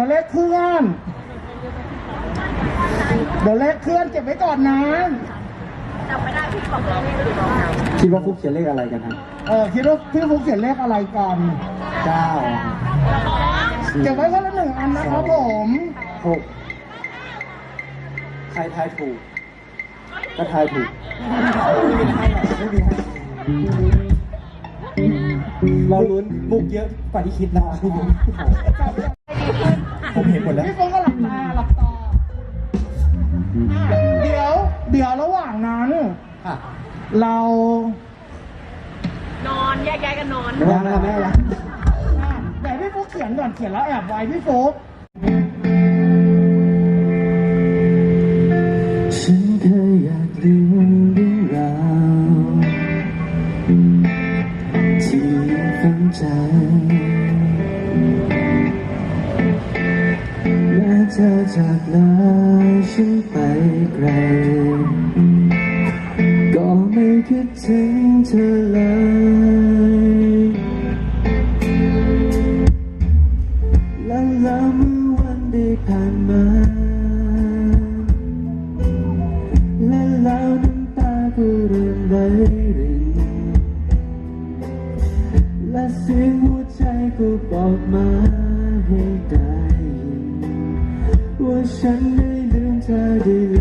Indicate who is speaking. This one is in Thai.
Speaker 1: เลขเคลื่อนเดี๋ยวเลขเคลื่อนเก็บไว้ก่อนนะ
Speaker 2: จำไม่ได้พี่บอกเลย
Speaker 3: คิดว่าฟุกเขียนเลขอะไรกันครับ
Speaker 1: คิดว่าพี่ฟุกเขียนเลขอะไรก่อน
Speaker 3: 9
Speaker 1: เก็บไว้คนละ1 อันนะครับผม
Speaker 3: 6ใครทายถูกก็ทายถูกไม่มีให้เราลุ้นมุกเยอะกว่าที่คิดนะผมเห็นหมดแล้ว
Speaker 1: พี่ฟุกก็หลับตาเดี๋ยวระหว่างนั้นเรา
Speaker 2: นอนแยกย้ายกันนอน
Speaker 3: ไม่ได้แล้ว
Speaker 1: แต่พี่ฟุกเขียนก่อนเขียนแล้วแอบไว้พี่ฟุก
Speaker 3: ฉันเคยอยากลืมเรื่องราวที่ยังฝังใจแม้เธอจากลาฉันไปไกลก็ไม่คิดถึงเธอเลยและเมื่อวันได้ผ่านมาและแล้วน้ำตาก็เริ่มไหลรินและเสียงหัวใจก็บอกมาให้ได้ยินว่าฉันได้ลืมเธอได้